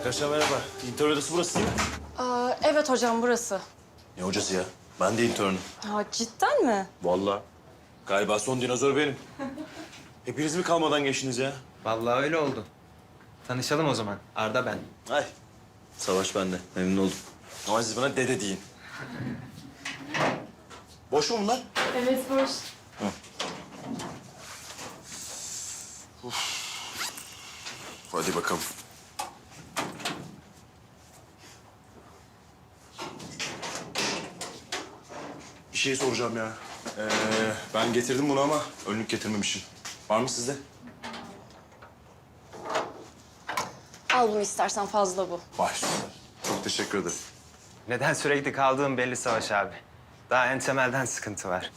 Arkadaşlar merhaba. İntern odası burası değil mi? Evet hocam burası. Ne hocası ya? Ben de internüm. Ha, cidden mi? Vallahi. Galiba son dinozor benim. Hepiniz mi kalmadan geçtiniz ya? Vallahi öyle oldu. Tanışalım o zaman. Arda ben. Ay. Savaş bende. Memnun oldum. Ama siz bana dede deyin. Boş mu bunlar? Evet boş. Hadi bakalım. Bir şey soracağım ya. Ben getirdim bunu ama önlük getirmemişim. Var mı sizde? Al bunu istersen fazla bu. Var. Çok teşekkür ederim. Neden sürekli kaldığım belli Savaş abi. Daha en temelden sıkıntı var.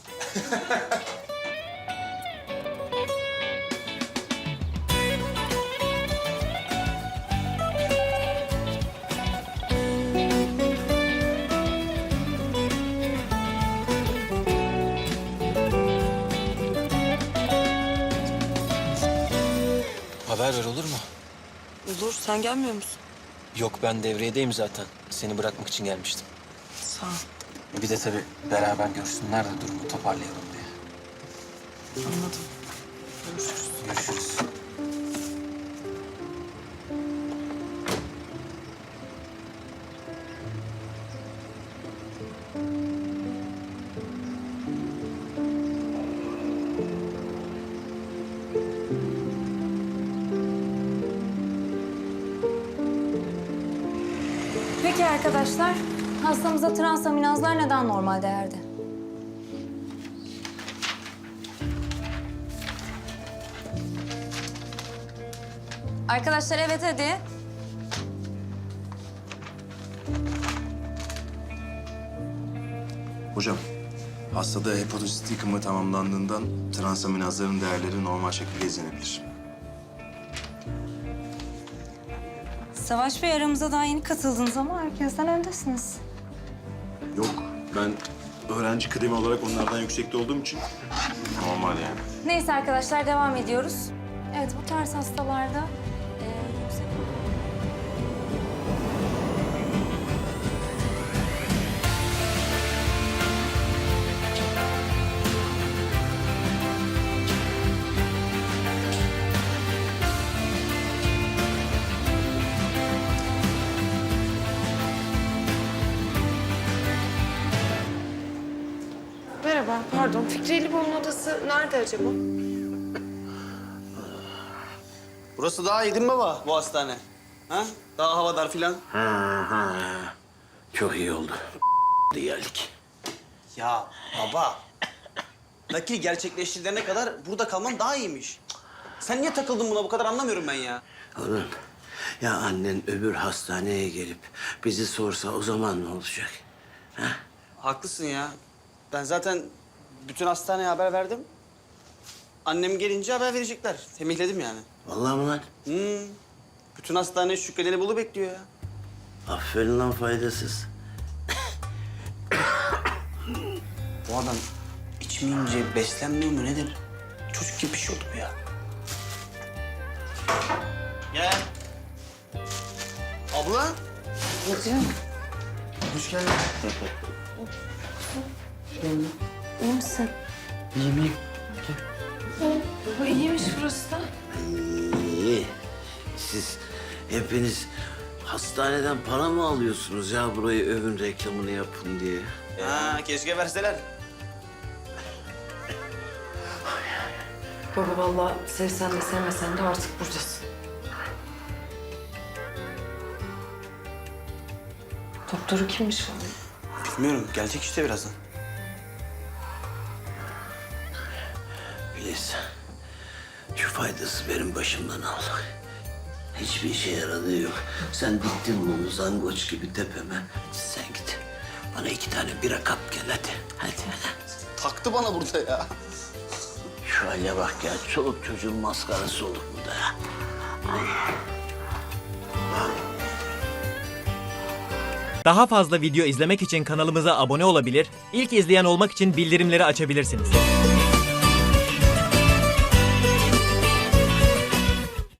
Haber ver olur mu? Olur, sen gelmiyor musun? Yok ben devriyedeyim zaten. Seni bırakmak için gelmiştim. Sağ ol. Bir de tabii beraber görsünler de durumu toparlayalım diye. Anladım. Görüşürüz. Görüşürüz. Peki arkadaşlar, hastamıza transaminazlar neden normal değerde? Arkadaşlar evet hadi. Hocam, hastada hepatosit yıkımı tamamlandığından transaminazların değerleri normal şekilde izlenebilir. Savaş Bey aramıza daha yeni katıldınız ama herkesten öndesiniz. Yok, ben öğrenci kıdemi olarak onlardan yüksekte olduğum için normal yani. Neyse arkadaşlar devam ediyoruz. Evet bu tarz hastalarda yüksek... Merhaba, pardon. Fikri Eliboğlu'nun odası nerede acaba? Burası daha iyi değil mi baba, bu hastane? Ha? Daha havadar filan. Çok iyi oldu. Geldik. Ya baba, nakil gerçekleştirene kadar burada kalman daha iyiymiş. Sen niye takıldın buna bu kadar anlamıyorum ben ya. Oğlum, ya annen öbür hastaneye gelip bizi sorsa o zaman ne olacak? Ha? Haklısın ya. Ben zaten bütün hastaneye haber verdim. Annem gelince haber verecekler. Temihledim yani. Vallahi mı lan? Bütün hastane Şükrü Elibolu bekliyor ya. Aferin lan faydasız. Bu adam içmeyince beslenmiyor mu nedir? Çocuk gibi bir şey oldu bu ya. Gel. Abla. Hoş geldin. İyi misin? Baba iyiymiş burası da. İyi. Siz hepiniz hastaneden para mı alıyorsunuz ya burayı övün reklamını yapın diye? Ha, keşke verseler. Baba vallahi sevsen de sevmesen de artık buradasın. Doktoru kimmiş falan? Bilmiyorum, gelecek işte birazdan. Filiz, şu faydası benim başımdan al. Hiçbir işe yaradığı yok. Sen diktin bunu zangoç gibi tepeme. Sen git. Bana 2 tane bira kap gel hadi. Hadi. Taktı bana burada ya. Şu hale bak ya. Çoluk çocuğun maskarası olduk burada ya. Daha fazla video izlemek için kanalımıza abone olabilir, ilk izleyen olmak için bildirimleri açabilirsiniz.